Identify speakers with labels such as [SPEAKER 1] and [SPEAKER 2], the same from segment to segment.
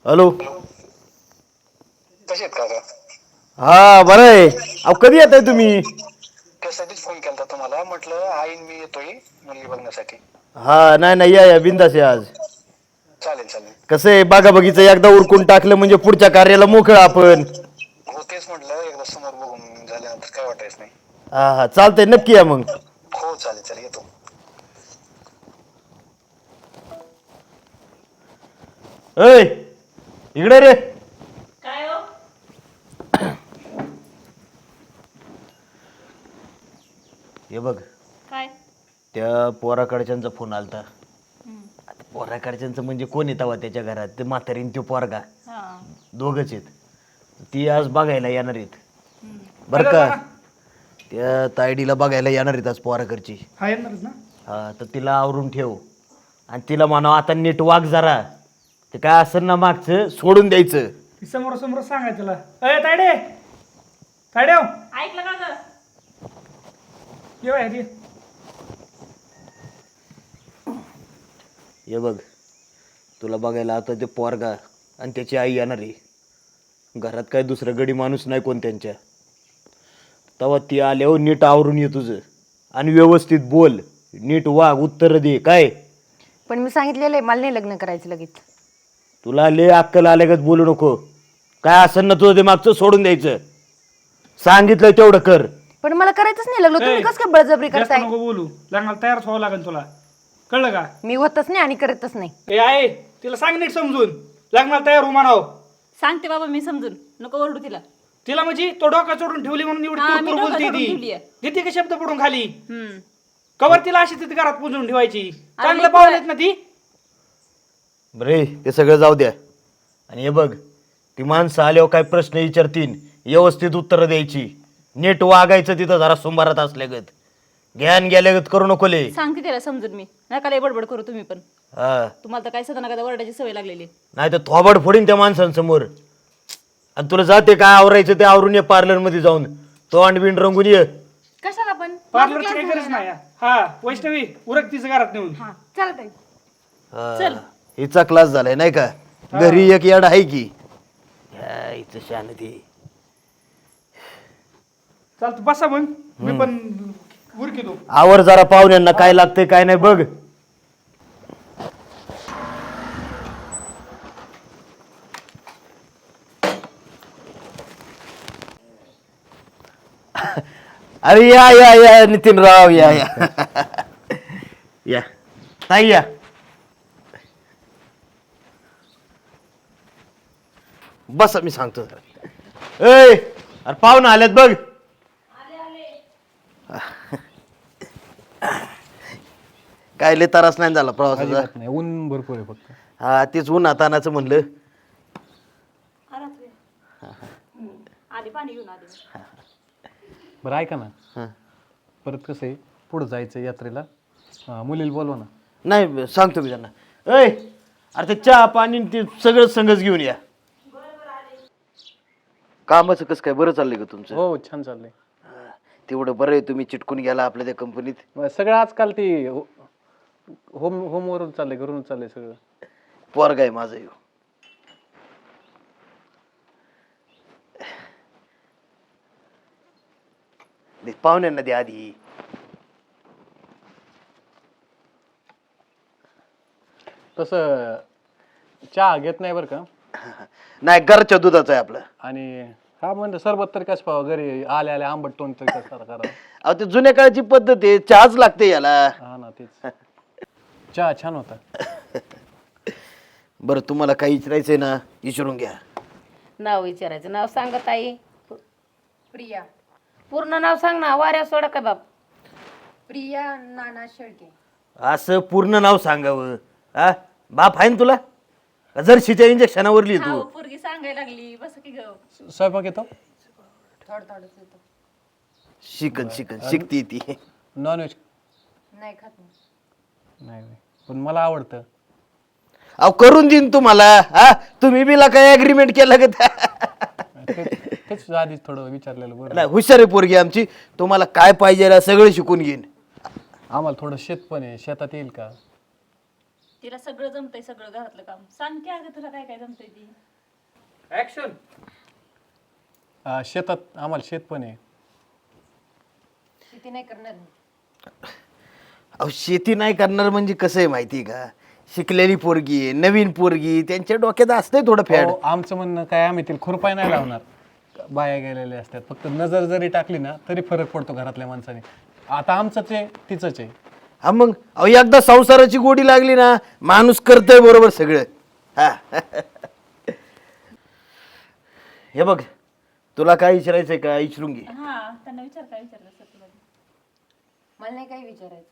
[SPEAKER 1] Hello.
[SPEAKER 2] कसे आहेत काका?
[SPEAKER 1] हा बरं आहे. अहो कधी येताय तुम्ही?
[SPEAKER 2] त्यासाठीच फोन केला तुम्हाला, म्हटलं आईन मी येतोय मुलगी बघण्यासाठी.
[SPEAKER 1] हा नाही नाही या बिंदास या आज.
[SPEAKER 2] चालेल चालेल.
[SPEAKER 1] कसं आहे बागा बगीचं एकदा उरकून टाकलं म्हणजे पुढच्या कार्याला मोकळ आपण.
[SPEAKER 2] हो तेच म्हटलं, एकदा समोर बघून झाल्यानंतर काय वाटायचं नाही.
[SPEAKER 1] हा हा चालतंय नक्की या मग.
[SPEAKER 2] हो चालेल चालेल येतो.
[SPEAKER 1] ऐ इकडे रे.
[SPEAKER 3] काय हो?
[SPEAKER 1] हे बघ
[SPEAKER 3] काय?
[SPEAKER 1] त्या पोराकडच्यांचा फोन आलता. आता पोराकडच्यांचं म्हणजे कोण येतावा त्याच्या घरात? ते म्हातारीन तो पोरगा
[SPEAKER 3] हा.
[SPEAKER 1] दोघच आहेत. ती आज बघायला येणार आहेत बरं का. त्या तायडीला बघायला येणार आहेत आज पोराकडची.
[SPEAKER 4] हा येणारच ना.
[SPEAKER 1] हा तर तिला आवरून ठेव आणि तिला म्हणावं आता नीट वाग जरा. ते काय असं ना मागचं सोडून द्यायचं.
[SPEAKER 4] ती समोर समोर सांगायचं तिला, अय तायडे तायडे हो.
[SPEAKER 3] ऐकलं का ग?
[SPEAKER 4] ये बाहेर ये.
[SPEAKER 1] हे बघ तुला बघायला आता ते पोरगा आणि त्याची आई येणार आहे. घरात काय दुसरं गडी माणूस नाही कोण त्यांच्या. तेव्हा ती आल्यावर नीट आवरून ये तुझं आणि व्यवस्थित बोल, नीट वाग, उत्तर दे. काय
[SPEAKER 5] पण मी सांगितलेलं आहे मला नाही लग्न करायचं लगेच.
[SPEAKER 1] तुला लय अक्कल आल्यागत बोलू नको. काय असं ना तुझं ते मागचं सोडून द्यायचं. सांगितलं तेवढं कर.
[SPEAKER 5] पण मला करायचंच नाही लग्न. तुम्ही कसं काय बळजबरी
[SPEAKER 4] जास्त
[SPEAKER 5] करताय?
[SPEAKER 4] नको बोलू, लग्नाला तयारच व्हावं लागेल तुला, कळलं का?
[SPEAKER 5] मी होतच नाही आणि करतच नाही.
[SPEAKER 4] ए आहे तिला सांग नीट समजून, लग्नाला तयार हो म्हणाव.
[SPEAKER 3] सांगते बाबा मी समजून, नको ओरडू तिला.
[SPEAKER 4] तिला म्हणजे तो डोका चोडून ठेवली म्हणून एवढी
[SPEAKER 3] हा, मी
[SPEAKER 4] कुरकुर
[SPEAKER 3] डोका
[SPEAKER 4] बोलते
[SPEAKER 3] चोडून
[SPEAKER 4] ती.
[SPEAKER 3] ठेवलीये.
[SPEAKER 4] देते का शब्द पडून खाली?
[SPEAKER 3] हम्म.
[SPEAKER 4] कवर तिला अशी तिथे घरात पुजून ठेवायची. चांगलं
[SPEAKER 3] लेकरं-
[SPEAKER 4] पाहुण्यात ना ती.
[SPEAKER 1] बरे ते सगळं जाऊ द्या. आणि हे बघ ती माणसं आल्यावर काय प्रश्न विचारतील व्यवस्थित उत्तरं द्यायची. नीट वागायचं तिथं जरा सुंभारात असल्यागत. ज्ञान गेल्यागत करू नको ले.
[SPEAKER 3] सांगते तिला समजून मी. नका लय बडबड करू तुम्ही पण.
[SPEAKER 1] हा
[SPEAKER 3] तुम्हाला तर काय सदा नका ओरडायची सवय लागलेली.
[SPEAKER 1] नाही तर थोबाड फोडीन त्या माणसांसमोर. आणि तुला जाते काय आवरायचं ते आवरून ये पार्लर मध्ये जाऊन. तोंड बिंड रंगून ये.
[SPEAKER 5] कशाला पण?
[SPEAKER 4] पार्लरची काही गरज नाही. हा वैष्णवी उरक तिचं घरात नेऊन.
[SPEAKER 5] हा चालतंय.
[SPEAKER 1] हा, हिचा क्लास झालाय नाही का. घरी एक याड आहे की. ह्या हिचं शांती.
[SPEAKER 4] चालतं बसा मग, मी पण उरकितो.
[SPEAKER 1] आवर जरा पाहुण्यांना काय लागतंय काय नाही बघ. अरे या या या नितीनराव या या या ताई या. बस मी सांगतो जरा. ए अरे पाहुणा आल्यात बघ. काय लय त्रास नाही झाला प्रवासाचा?
[SPEAKER 6] नाही, ऊन भरपूर आहे फक्त.
[SPEAKER 1] हा तेच उन्हातानाचं म्हणलं.
[SPEAKER 3] आधी पाणी घेऊन आधी.
[SPEAKER 6] बरं ऐका ना,
[SPEAKER 1] हा.
[SPEAKER 6] परत कसं आहे पुढं जायचं यात्रेला. मुलीला बोलवा ना.
[SPEAKER 1] नाही सांगतो मी त्यांना. ऐ अरे ते चहा पाणी ते सगळं संगच घेऊन या. कामाचं कसं काय बरं चाललंय का तुमचं?
[SPEAKER 6] हो छान चाललंय.
[SPEAKER 1] तेवढं बरं आहे तुम्ही चिटकून गेला आपल्या त्या कंपनीत.
[SPEAKER 6] मग सगळं आजकाल ते होमवरून चाललंय, घरून चाललंय सगळं.
[SPEAKER 1] पोरगा आहे माझं ह्यो. दे पाहुण्यांना दे आधी.
[SPEAKER 6] तसं चहा घेत नाही बरं का.
[SPEAKER 1] नाही घरच्या दुधाचं आहे आपलं.
[SPEAKER 6] आणि हा म्हणलं सरबत तरी कसं पाहावं, घरी आले आले आंबट तोंड तरी कसं करा.
[SPEAKER 1] अहो ते जुन्या काळची पद्धत आहे. चहाच लागते याला.
[SPEAKER 6] हा ना तेच. चहा छान होता.
[SPEAKER 1] बरं तुम्हाला काही विचारायचंय ना विचारून घ्या.
[SPEAKER 7] नाव विचारायचं. नाव सांगा ताई. प्रिया. पूर्ण नाव सांग ना. वाऱ्या सोडा का बाप.
[SPEAKER 5] प्रिया नाना शेळके.
[SPEAKER 1] असं पूर्ण नाव सांगावं. हा बाप आहे ना तुला? जर्शीच्या इंजेक्शनावर लिहि तू.
[SPEAKER 3] पोरगी सांगायला लागली. बस की ग.
[SPEAKER 6] स्वयंपाक येतो?
[SPEAKER 5] थोडंच येतो.
[SPEAKER 1] शिकन शिकन शिकती ती.
[SPEAKER 6] नॉनव्हेज
[SPEAKER 5] नाही खात मी.
[SPEAKER 6] नाही पण मला आवडतं.
[SPEAKER 1] अहो करून देईन तुम्हाला. हा तुम्ही बिला काय अग्रीमेंट केलं का?
[SPEAKER 6] तेच आधीच थोडं विचारलेलं बरं.
[SPEAKER 1] नाही हुशार आहे पोरगी आमची. तुम्हाला काय पाहिजे सगळं शिकून घेईन.
[SPEAKER 6] आम्हाला थोडं शेत पण आहे, शेतात येईल का?
[SPEAKER 3] तिला सगळं जमतंय, सगळं घरातलं काम. सांग की अगं तुला काय काय जमतंय ती.
[SPEAKER 4] ऍक्शन.
[SPEAKER 6] शेतात आम्हाला शेत पण आहे.
[SPEAKER 5] शेती नाही करणार मी.
[SPEAKER 1] अहो शेती नाही करणार म्हणजे कसं आहे माहिती आहे का, शिकलेली पोरगी आहे, नवीन पोरगी, त्यांच्या डोक्यात असतंय थोडं फॅड.
[SPEAKER 6] अहो, आमचं म्हणणं काय, आम्ही तिला खुरपाय नाही लावणार. बाया गेलेल्या असतात, फक्त नजर जरी टाकली ना तरी फरक पडतो घरातल्या माणसाने. आता आमचंच आहे तिचंच आहे.
[SPEAKER 1] हा मग अहो एकदा संसाराची गोडी लागली ना माणूस करतोय बरोबर सगळं. हा हे बघ, तुला काय विचारायचंय का विचारून घे.
[SPEAKER 3] हा त्यांना विचार, काय विचारलं असं तुला.
[SPEAKER 5] मला नाही काही विचारायचं.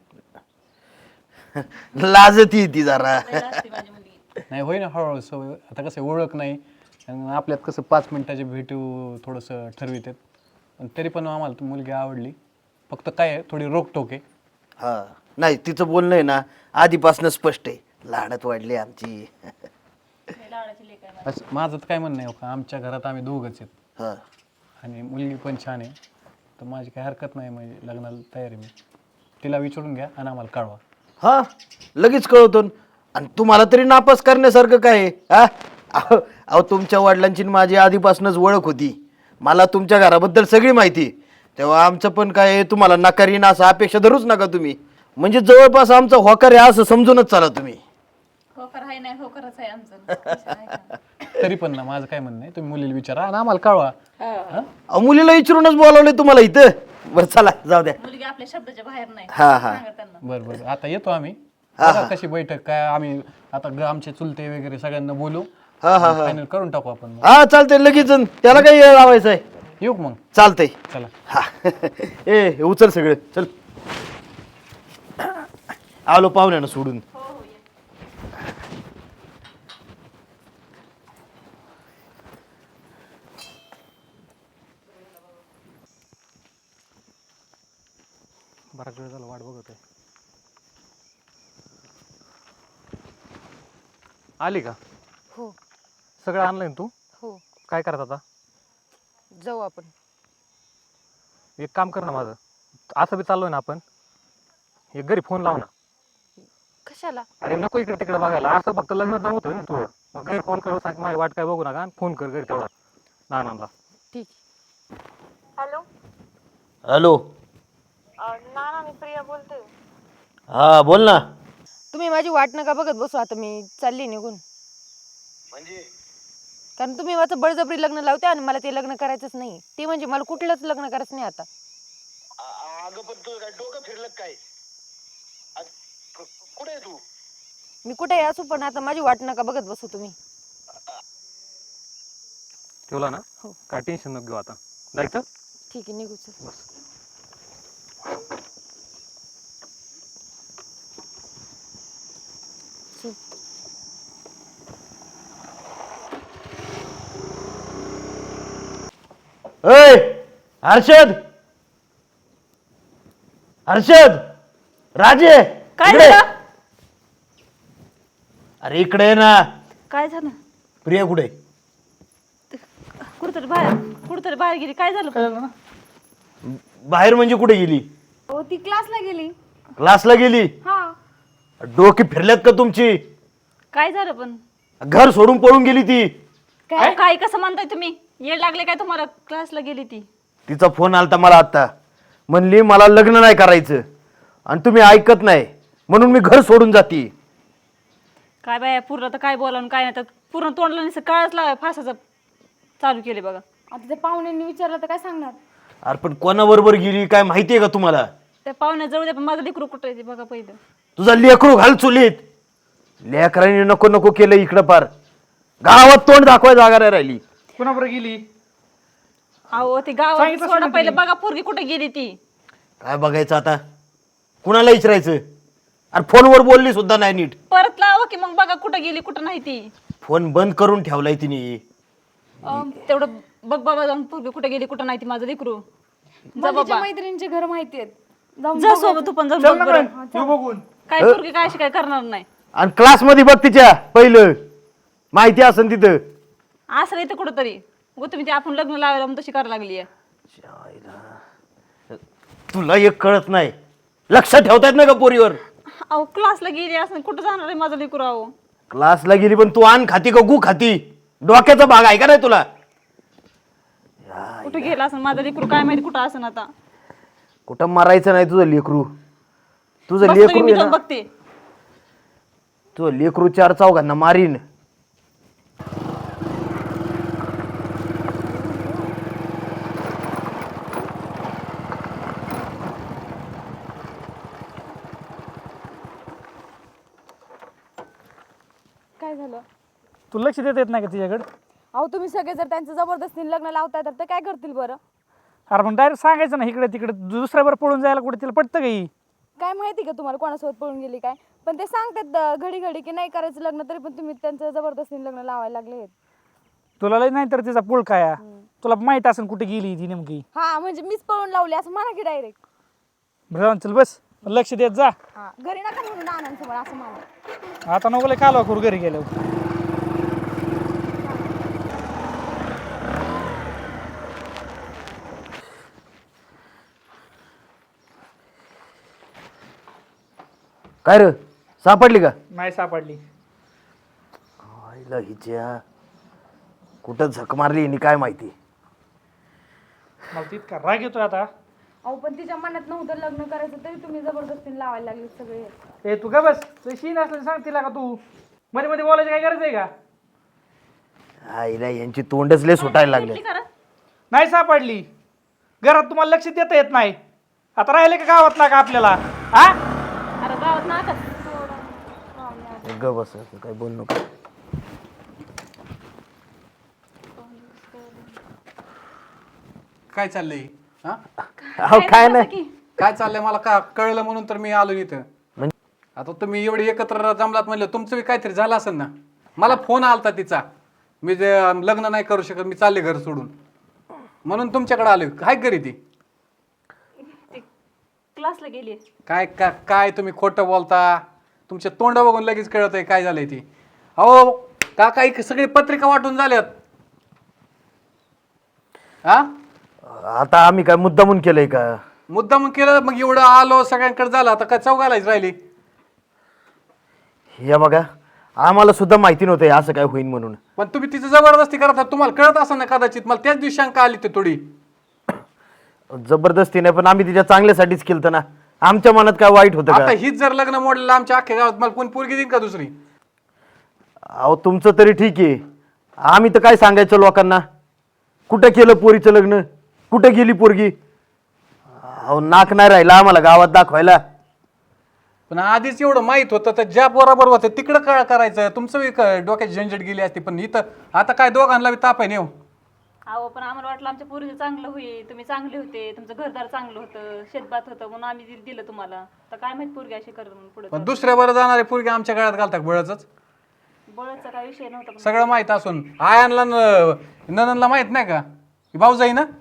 [SPEAKER 1] लाजती ती जरा.
[SPEAKER 3] लय असते माझी मुलगी.
[SPEAKER 6] नाही होय ना हळूहळू सवय. आता कसं ओळख नाही आणि आपल्यात कसं 5 मिनिटाची भेटू थोडंसं ठरवितात. पण तरी पण आम्हाला ती मुलगी आवडली. फक्त काय आहे, थोडी रोकटोक आहे.
[SPEAKER 1] हा नाही तिचं बोलणं आहे ना आधीपासून स्पष्ट आहे, लाडत वाढली आमची.
[SPEAKER 3] लय लाडाची लेक आहे माझी.
[SPEAKER 6] असं माझं तर काय म्हणणं आहे, हो का, आमच्या घरात आम्ही दोघंच आहेत
[SPEAKER 1] हा
[SPEAKER 6] आणि मुलगी पण छान आहे. तर माझी काही हरकत नाही, म्हणजे लग्नाला तयार आहे मी. तिला विचारून घ्या आणि आम्हाला कळवा.
[SPEAKER 1] हा लगेच कळवतो. आणि तुम्हाला तरी नापास करण्यासारखं काय आहे? हा अहो अहो, तुमच्या वडिलांची आणि माझी आधीपासूनच ओळख होती, मला तुमच्या घराबद्दल सगळी माहिती. तेव्हा आमचं पण काय आहे, तुम्हाला नकारीन असं अपेक्षा धरूच नका तुम्ही. म्हणजे जवळपास आमचा होकार आहे असं समजूनच चाला तुम्ही.
[SPEAKER 3] होकार आहे नाही, होकारच आहे आमचं. विचार आहे का?
[SPEAKER 6] तरी पण ना माझं काय म्हणणं आहे, तुम्ही मुलीला विचारा आणि आम्हाला कळवा.
[SPEAKER 1] अहो मुलीला विचारूनच बोलावले तुम्हाला इथं. बरं चला जाऊ द्या.
[SPEAKER 3] मुलगी आपल्या शब्दाच्या बाहेर नाही.
[SPEAKER 1] हा हा
[SPEAKER 3] सांगा त्यांना.
[SPEAKER 6] बरं बरं, आता येतो आम्ही. बघा कशी बैठक काय, आम्ही आता आमचे चुलते वगैरे सगळ्यांना बोलू.
[SPEAKER 1] हा हा हा
[SPEAKER 6] फायनल करून टाकू आपण मग.
[SPEAKER 1] हा चालतंय लगेच. त्याला काही लावायचं आहे?
[SPEAKER 6] येऊ का मग?
[SPEAKER 1] चालतंय.
[SPEAKER 6] चला.
[SPEAKER 1] हा ए हे उचल सगळं चल. आलो पाहुण्यानं सोडून.
[SPEAKER 6] बराच वेळ झाला वाट बघत आहे. आली का?
[SPEAKER 5] हो
[SPEAKER 6] सगळं आणलंय ना तू?
[SPEAKER 5] हो.
[SPEAKER 6] काय करत आता?
[SPEAKER 5] जाऊ आपण.
[SPEAKER 6] एक काम कर ना माझं, असं बी चाललोय ना आपण, एक घरी फोन लाव ना.
[SPEAKER 5] कशाला?
[SPEAKER 6] अरे नको इकडे तिकडे बघायला, असं फक्त लग्न जमवतोय ना तू. मग घरी फोन कर, सांग माझी वाट काय बघू नका आणि फोन कर घरी तेवढा नानांना.
[SPEAKER 5] ठीक.
[SPEAKER 8] Hello
[SPEAKER 1] hello.
[SPEAKER 8] नाना, मी प्रिया बोलते.
[SPEAKER 1] हा बोल ना.
[SPEAKER 5] तुम्ही माझी वाट नका बघत बसू, आता मी चालली निघून.
[SPEAKER 1] म्हणजे
[SPEAKER 5] कारण तुम्ही माझं बळजबरी लग्न लावते आणि मला ते लग्न करायचंच नाही. ते म्हणजे मला कुठलंच लग्न करायचं नाही आता.
[SPEAKER 1] अगं पण तू काय डोकं फिरलं काय? कुठे तू?
[SPEAKER 5] मी कुठेही असू पण आता माझी वाट नका बघत बसू तुम्ही.
[SPEAKER 6] ठेवला ना?
[SPEAKER 5] हो.
[SPEAKER 6] काय टेन्शन नको घेऊ, आता जायचं.
[SPEAKER 5] ठीक आहे, निघू चल. चल.
[SPEAKER 1] ओय हर्षद, हर्षद, राजे
[SPEAKER 3] काय
[SPEAKER 1] इकडे.
[SPEAKER 3] झालं?
[SPEAKER 1] अरे इकडे ये ना.
[SPEAKER 3] काय झालं?
[SPEAKER 1] प्रिया कुठे?
[SPEAKER 3] कुठतरी बाहेर गेली. काय झालं?
[SPEAKER 4] काय झालं ना?
[SPEAKER 1] बाहेर म्हणजे कुठे गेली?
[SPEAKER 5] हो, ती क्लासला गेली.
[SPEAKER 1] क्लासला गेली?
[SPEAKER 5] हा.
[SPEAKER 1] डोकी फिरल्यात का तुमची?
[SPEAKER 3] काय झालं पण?
[SPEAKER 1] घर सोडून पळून गेली ती.
[SPEAKER 3] काय कसं म्हणताय तुम्ही? येड लागले काय तुम्हाला? क्लासला गेली ती.
[SPEAKER 1] तिचा फोन आलता मला आता, म्हणली मला लग्न नाही करायचं आणि तुम्ही ऐकत नाही म्हणून मी घर सोडून जाते.
[SPEAKER 3] काय बाया, पूर्ण तर काय बोलावून काय नाही तर पूर्ण तोंडला नसतं काळच लावाय फासाचं चालू केले बघा.
[SPEAKER 5] आता त्या पाहुण्यांनी विचारलं तर काय सांगणार?
[SPEAKER 1] अरे पण कोणाबरोबर गेली काय माहितीये का तुम्हाला?
[SPEAKER 3] त्या पाहुण्या जवळ द्या, पण माझं लेकरू कुठं आहे ते बघा पहिलं.
[SPEAKER 1] तुझा लेकरू घाल चुलीत. लेकरांनी नको नको केलं इकडं पार. गावात तोंड दाखवाय जागा नाही राहिली.
[SPEAKER 4] कुणाबरोबर गेली?
[SPEAKER 3] अहो ते गावात
[SPEAKER 4] सांगितलं
[SPEAKER 3] सोडा
[SPEAKER 4] असेल
[SPEAKER 3] पहिलं बघा पोरगी कुठे गेली ती.
[SPEAKER 1] काय बघायचं आता? कुणाला विचारायचं? अरे फोनवर बोलली सुद्धा नाही नीट.
[SPEAKER 3] परत लावा की मग बघा कुठं गेली कुठं नाही ती.
[SPEAKER 1] फोन बंद करून ठेवलाय तिने.
[SPEAKER 3] तेवढं बघ बाबा जाऊन पोरगी कुठे गेली कुठं नाही ती माझं लेकरू. जा बाबा,
[SPEAKER 5] मैत्रिणींचे घर माहिती आहेत.
[SPEAKER 3] जा सोबत तू पण जाऊन
[SPEAKER 4] चल
[SPEAKER 3] बघ
[SPEAKER 4] ना
[SPEAKER 3] बरं.
[SPEAKER 4] मग, येऊ बघून.
[SPEAKER 3] काय पोरगी काय अशी काय करणार नाही.
[SPEAKER 1] आणि क्लास मध्ये बघ तिच्या पहिलं माहिती असेल तिथं.
[SPEAKER 3] असं इथं कुठं तरी तुम्ही ते आपण लग्न लावायला मग तशी करायला लागली.
[SPEAKER 1] तुला एक कळत नाही, लक्ष ठेवतायत ना का पोरीवर?
[SPEAKER 3] अहो क्लासला गेली असं कुठं जाणार आहे माझं लेकरू अहो.
[SPEAKER 1] क्लासला गेली पण तू आण खाती का गु खाती? डोक्याचा भाग आहे का नाही तुला?
[SPEAKER 3] कुठं गेला असं माझं लेकरू काय माहिती कुठं असं आता.
[SPEAKER 1] कुठं मारायचं नाही तुझं लेकरू. तुझं
[SPEAKER 3] बसतो
[SPEAKER 1] लेकरू
[SPEAKER 3] मी
[SPEAKER 1] आहे
[SPEAKER 3] जाऊन
[SPEAKER 1] ना,
[SPEAKER 3] बघते.
[SPEAKER 1] तुझं लेकरू 4 चौघांना मारीन.
[SPEAKER 5] काय झालं?
[SPEAKER 4] तू लक्ष देता येत नाही का तिच्याकडे?
[SPEAKER 5] अहो तुम्ही सगळे जर त्यांचं जबरदस्तीने लग्न लावताय तर ते काय करतील बरं?
[SPEAKER 4] अरे पण डायरेक्ट सांगायचं ना इकडे तिकडे दुसऱ्यावर पळून जायला कुठे तिला पटतं काही.
[SPEAKER 5] काय माहिती का तुम्हाला कोणासोबत पळून गेली काय? पण ते सांगतात घडी घडी की नाही करायचं लग्न, तरी पण तुम्ही त्यांचं जबरदस्तीने लग्न लावायला लागले.
[SPEAKER 4] तुला लय नाही तर तिचा पुळ काय तुला माहित असेल कुठे गेली ती नेमकी.
[SPEAKER 5] हा म्हणजे मीच पळून लावली असं म्हणा की डायरेक्ट.
[SPEAKER 4] बरं चल बस लक्ष देत जा.
[SPEAKER 5] हा घरी नका म्हणून आनंद असं म्हणा.
[SPEAKER 4] आता नको लय कालवा करू घरी गेल्यावर.
[SPEAKER 1] काय रे सापडली का?
[SPEAKER 4] नाही सापडली.
[SPEAKER 1] आईला हिच्या कुठं झक मारली हिने काय माहिती.
[SPEAKER 4] मला तितका राग येतोय आता.
[SPEAKER 5] अहो पण तिच्या मनात नव्हतं लग्न करायचं तरी तुम्ही जबरदस्तीने लावायला लागले सगळे.
[SPEAKER 4] ए तू का बस शीन असलं सांग तिला का तू मध्ये मध्ये बोलायची काय गरज आहे का?
[SPEAKER 1] आईला यांची तोंडच लय सुटायला लागले.
[SPEAKER 4] नाही सापडली. घरात तुम्हाला लक्ष देता येत नाही. आता राहिले का गावात ना का आपल्याला? हा
[SPEAKER 3] अरे गावात नाका.
[SPEAKER 1] ग बस काय बोल नको.
[SPEAKER 6] काय चाललंय? हा
[SPEAKER 1] अहो काय नाही.
[SPEAKER 6] काय चाललंय मला का कळलं म्हणून तर मी आलो इथं.
[SPEAKER 1] म्हणजे?
[SPEAKER 6] आता तुम्ही एवढे एकत्र जमलात म्हणलं तुमचं बी काहीतरी झालं असेल ना. मला फोन आलता तिचा, मी जे लग्न नाही करू शकत, मी चालले घर सोडून, म्हणून तुमच्याकडे आलोय. काय घरी ती?
[SPEAKER 3] क्लासला गेली.
[SPEAKER 6] काय काय तुम्ही खोटं बोलता? तुमच्या तोंड बघून लगेच कळत आहे काय झालंय ती. अहो काका एक सगळी पत्रिका वाटून झाल्यात. हा
[SPEAKER 1] आता आम्ही काय मुद्दामून केलंय का?
[SPEAKER 6] मुद्दाम केलं मग एवढं आलो सगळ्यांकडे झालं, आता काय चौघालाच राहिली.
[SPEAKER 1] हे बघा आम्हाला सुद्धा माहिती नव्हतं हे असं काय होईल म्हणून.
[SPEAKER 6] पण तुम्ही तिचं जबरदस्ती करत आहात. तुम्हाला कळत असं ना कदाचित. मला त्याच दिवशी शंका आली ते थोडी.
[SPEAKER 1] जबरदस्ती नाही पण आम्ही तिच्या चांगल्यासाठीच केलं ना. आमच्या मनात काय वाईट होतं
[SPEAKER 6] आता
[SPEAKER 1] का?
[SPEAKER 6] हीच जर लग्न मोडलेलं आमच्या अख्ख्या गावात मला कोण पोरगी देईन का दुसरी?
[SPEAKER 1] अहो तुमचं तरी ठीक आहे. आम्ही तर काय सांगायचं लोकांना? कुठं केलं पोरीचं लग्न? कुठं गेली पोरगी? अहो नाक नाही राहिला आम्हाला गावात दाखवायला.
[SPEAKER 6] पण आधीच एवढं माहित होतं तर ज्या बरोबर होतं तिकडं काय करायचं? तुमचं बी डोक्याची झंझट गेली असती. पण इथं आता काय दोघांना बी ताप आहे नेऊ.
[SPEAKER 3] अहो पण आम्हाला वाटलं आमच्या पोरीचं चांगलं होईल, तुम्ही चांगले होते, तुमचं घरदार चांगलं होतं, शेतभात होतं म्हणून आम्ही दिलं तुम्हाला. तर काय माहित पोरगी अशी करत म्हणून पुढे.
[SPEAKER 6] पण दुसऱ्या बरं जाणारे पोरगी आमच्या गळ्यात घालतात बळच.
[SPEAKER 3] बळचा काय विषय नव्हता.
[SPEAKER 6] सगळं माहित असून आयांना नननला माहित नाही का? भाऊजाई ना.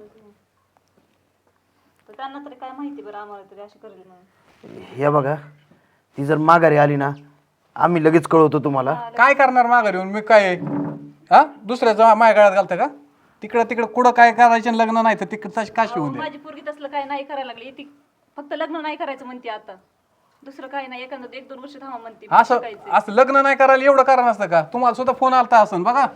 [SPEAKER 3] तर त्यांना तरी काय माहिती बरं आम्हाला तरी अशी करेल म्हणून.
[SPEAKER 1] हे बघा ती जर माघारी आली ना आम्ही लगेच कळवतो तुम्हाला.
[SPEAKER 6] काय करणार माघारी येऊन? मी काय हा दुसऱ्याचा माझ्या गळ्यात घालतं का? तिकडं तिकडं कुठं काय करायचं लग्न नाही तर तिकडं काशी होऊन दे.
[SPEAKER 3] माझी पोरगी तसलं काय नाही करायला लागली. ती फक्त लग्न नाही करायचं म्हणते आता. दुसरं काही नाही. एखादं 1-2 वर्ष थांबा म्हणते.
[SPEAKER 6] असं असं लग्न नाही करायला एवढं कारण असतं का? तुम्हाला सुद्धा फोन आलता असं बघा.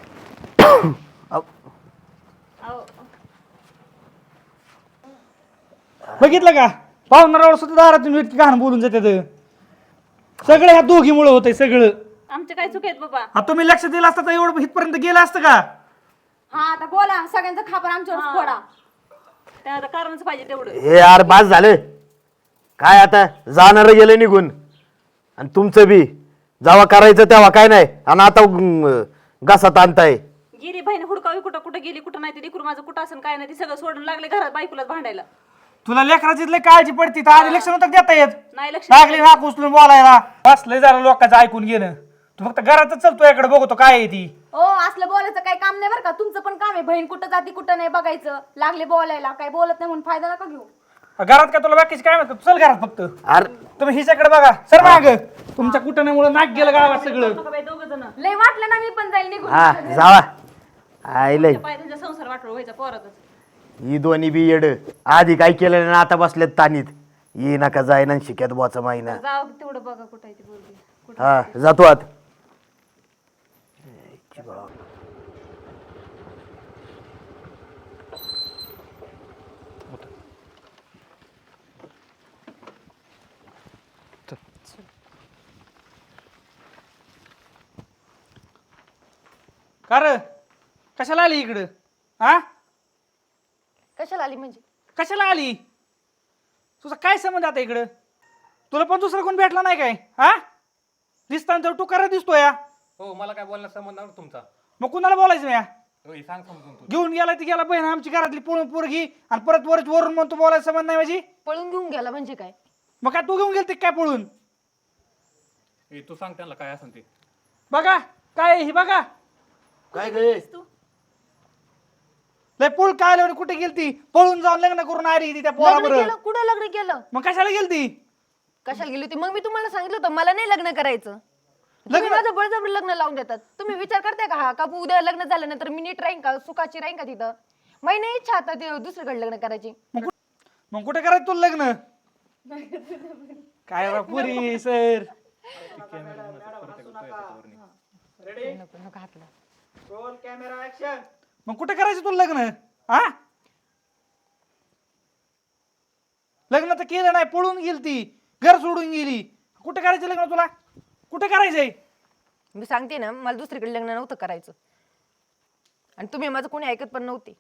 [SPEAKER 4] बघितलं का पाहुणाऱ्यावर सुद्धा दारातून इतकी घाण बोलून जाते. सगळं ह्या दोघीमुळे होतंय सगळं.
[SPEAKER 3] आमचे काय चुक आहेत बाबा?
[SPEAKER 4] आता तुम्ही लक्ष दिलं असतं तर एवढं इथपर्यंत गेलं असतं का?
[SPEAKER 5] हा आता बोला सगळ्यांचा खापर आमच्यावर फोडा.
[SPEAKER 3] त्या आता कारणच पाहिजे तेवढं.
[SPEAKER 1] हे यार बास झालं. काय आता जाणारं गेलं निघून आणि तुमचं बी जेव्हा करायचं तेव्हा काय नाही आणि आता घासात आणताय.
[SPEAKER 3] गेली बहीण हुडकावी कुठं कुठं गेली कुठं नाही. ते लेकरू माझं कुठं असं काय नाही. ते सगळं सोडून लागले घरात बायकोलाच भांडायला.
[SPEAKER 4] तुला लेकराची लय काळजी पडती तर आधी लक्ष नव्हतं देता येत.
[SPEAKER 3] नाही लक्ष
[SPEAKER 4] लागली नाक उचलून बोलायला. बसलंय जरा लोकांचं ऐकून घेणं. तू फक्त घरातच चल तुझ्याकडे बघतो काय आहे ती.
[SPEAKER 5] ओ असलं बोलायचं काही काम नाही बरं का. तुमचं पण काम आहे. बहीण कुठं जाती कुठं नाही बघायचं. लागले बोलायला काही बोलत नाही म्हणून फायदा नका घेऊ.
[SPEAKER 4] घरात काय तुला बाकीची काय माहिती? चल घरात फक्त.
[SPEAKER 1] अरे
[SPEAKER 4] तुम्ही हिच्याकडे बघा सर माग. तुमच्या कुटण्यामुळे नाक गेलं गावात सगळं.
[SPEAKER 3] दोघ जण
[SPEAKER 5] लय वाटलं ना मी पण जाईल निघून.
[SPEAKER 1] हा जावा. आईलय
[SPEAKER 3] पाय त्यांचा संसार वाटलं व्हायचा पोरातच.
[SPEAKER 1] ही दोन्ही बी येड. आधी काय केलं ना आता बसलेत तानीत. ये नका जाय ना शिक्यात बोचा माहिना.
[SPEAKER 3] जाऊ दे, तेवढं बघा कुठं आहे ती पोरगी कुठं.
[SPEAKER 1] हा जातो आत.
[SPEAKER 4] का रे कशाला आली इकडं? हा
[SPEAKER 7] कशाला आली म्हणजे?
[SPEAKER 4] कशाला आली? तुझा काय संबंध आता इकडं? तुला पण दुसरा कोण भेटला नाही काय? हा दिसताना तर टुकारा दिसतो या.
[SPEAKER 6] हो मला काय बोलण्याचा संबंध नाही तुमचा.
[SPEAKER 4] मग कुणाला बोलायचं या?
[SPEAKER 6] होय सांग समजून तू.
[SPEAKER 4] घेऊन गेला ती गेला बहीण आमची घरातली पळून पोरगी आणि परत वरून म्हणतो बोलायचं संबंध नाही माझी.
[SPEAKER 7] पळून घेऊन गेला म्हणजे काय?
[SPEAKER 4] मग काय तू घेऊन गेलती काय पळून?
[SPEAKER 6] तू सांग त्यांना काय असेल ते.
[SPEAKER 4] बघा काय आहे ही बघा.
[SPEAKER 1] काय गे
[SPEAKER 4] लय पूळ काय आल्यावर कुठे गेलती? पळून जाऊन लग्न करून आली ती त्या
[SPEAKER 7] लग्न
[SPEAKER 4] पोराबरोबर.
[SPEAKER 7] केलं? कुठं लग्न केलं?
[SPEAKER 4] मग कशाला गेलती?
[SPEAKER 7] कशाला गेली होती? मग मी तुम्हाला सांगितलं होतं मला नाही लग्न करायचं. तुम्ही माझं बळजबरी लग्न लावून देतात. तुम्ही विचार करताय का हा का उद्या लग्न झाल्यानंतर मी नीट राहीन का, सुखाची राहीन का तिथं? माझी नाही इच्छा आता ते दुसरीकडे लग्न करायची.
[SPEAKER 4] मग कुठे करायचं तुला लग्न? काय बा पुरी सर.
[SPEAKER 7] नको नको हातला.
[SPEAKER 4] मग कुठे करायचं तुला लग्न? हा लग्न तर केलं नाही, पळून गेली ती, घर सोडून गेली. कुठे करायचं लग्न तुला? कुठे करायचंय?
[SPEAKER 7] मी सांगते ना मला दुसरीकडे लग्न नव्हतं करायचं आणि तुम्ही माझं कोणी ऐकत पण नव्हते.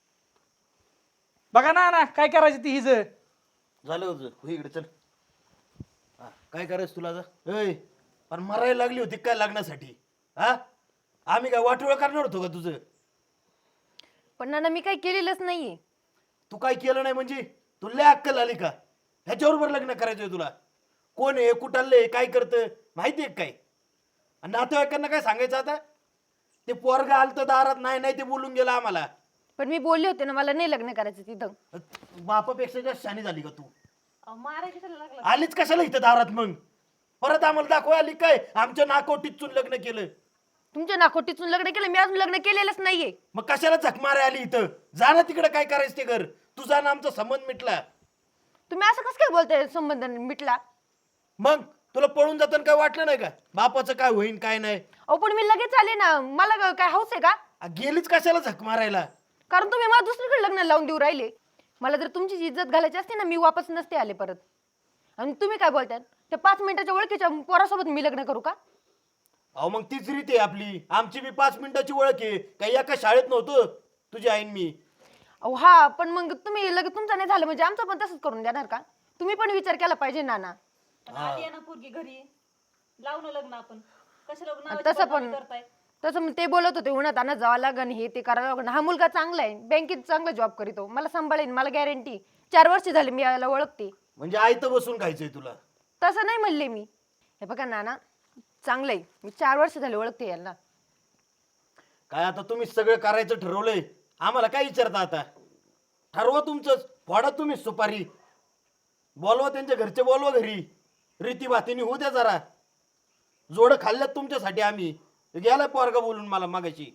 [SPEAKER 4] बघा ना ना काय करायचं ती हिज.
[SPEAKER 1] झालं होतं हो इकडे चल. हा, काय करायचं तुला आता? ऐ पण मरायला लागली होती काय लग्नासाठी? हा आम्ही काय वाटोळ करणार होतो का तुझं?
[SPEAKER 7] पण नाना मी काही केलेलंच नाहीये.
[SPEAKER 1] तू काय केलं नाही म्हणजे? तुला अक्कल आली का? ह्याच्याबरोबर लग्न करायचंय तुला? कोण आहे, कुठाले, काय करतं माहितीये काय? आणि नातेवाईकांना काय सांगायचं आता? ते पोरगा आलं तर दारात नाही नाही ते बोलून गेला आम्हाला.
[SPEAKER 7] पण मी बोलले होते ना मला नाही लग्न करायचं तिथं.
[SPEAKER 1] बापापेक्षा जास्त शानी झाली का तू?
[SPEAKER 3] अहो, मारायला कशाला लागला?
[SPEAKER 1] आलीच कशाला इथं दारात मग? परत आम्हाला दाखवा आली काय आमच्या नाकोटीतून लग्न केलं?
[SPEAKER 7] तुमच्या नाखोटीतून लग्न केलं? मी अजून लग्न केलेलंच नाहीये.
[SPEAKER 1] मग कशाला झक मारे आली इथं? जा ना तिकडे, काय करायचं ते कर. तुझा ना आमचा संबंध मिटला.
[SPEAKER 7] तुम्ही असं कसं काय बोलताय संबंध मिटला?
[SPEAKER 1] मग तुला पळून जाताना काय वाटलं नाही का बापाचं काय होईन काय नाही?
[SPEAKER 7] अहो पण मी लगेच आले ना. मला काय हौस आहे का?
[SPEAKER 1] गेलीच कशाला झक मारायला?
[SPEAKER 7] कारण तुम्ही मला दुसरीकडे लग्न लावून देऊ राहिले. मला जर तुमची इज्जत घालायची असते ना मी वापस नसते आले परत. आणि तुम्ही काय बोलताय? त्या 5 मिनिटाच्या ओळखीच्या पोरासोबत मी लग्न करू का?
[SPEAKER 1] अहो मग तीच रीत आहे आपली. आमची बी 5 मिनिटाची ओळख आहे. काही एका शाळेत नव्हतं तुझी आईन मी.
[SPEAKER 7] अहो हा पण मग तुम्ही लगेच तुमचं नाही झालं म्हणजे आमचं पण तसंच करून देणार का? तुम्ही पण विचार केला पाहिजे नाना.
[SPEAKER 3] पण आली आहे ना पोरगी घरी, लावून लग्न आपण. कशाला
[SPEAKER 7] आणि
[SPEAKER 3] नावाची
[SPEAKER 7] तसं
[SPEAKER 3] बदनामी
[SPEAKER 7] पण
[SPEAKER 3] करताय?
[SPEAKER 7] तसं मग ते बोलत होते उन्हात आणत जावं लागन हे ते करावं लागन. हा मुलगा चांगला आहे, बँकेत चांगला जॉब करीतो, मला सांभाळेन, मला गॅरंटी. 4 वर्ष झाले मी याला ओळखते.
[SPEAKER 1] म्हणजे आई तर बसून खायचंय तुला?
[SPEAKER 7] तसं नाही म्हणले मी. हे बघा नाना चांगलं आहे, मी 4 वर्ष झाले ओळखते याला.
[SPEAKER 1] काय आता तुम्ही सगळं करायचं ठरवलंय, आम्हाला काय विचारता आता? ठरवा तुमचंच, फोडा तुम्ही सुपारी, बोलवा त्यांच्या घरचे, बोलवा घरी, रीती भातीने होऊ द्या जरा. जोडं खाल्ल्यात तुमच्यासाठी आम्ही. गेलाय पोरगा बोलून मला मागायची.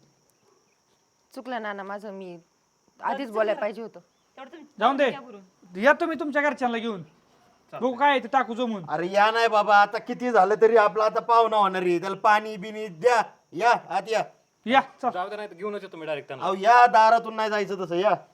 [SPEAKER 7] चुकलं नाना माझं, मी आधीच बोलायला पाहिजे होतं.
[SPEAKER 3] तेवढं तुम्ही
[SPEAKER 4] जाऊन दे,
[SPEAKER 3] या भरून.
[SPEAKER 4] या तुम्ही तुमच्या घरच्यांना घेऊन बघू काय आहे ते टाकू जमून.
[SPEAKER 1] अरे या नाही बाबा, आता किती झालं तरी आपला आता पाहुणा होणार आहे. त्याला पाणी बिनी द्या. या आत या.
[SPEAKER 4] या चल.
[SPEAKER 6] जाऊ दे नाही घेऊनच येतो मी डायरेक्ट त्यांना.
[SPEAKER 1] अहो या दारातून नाही जायचं तसं या.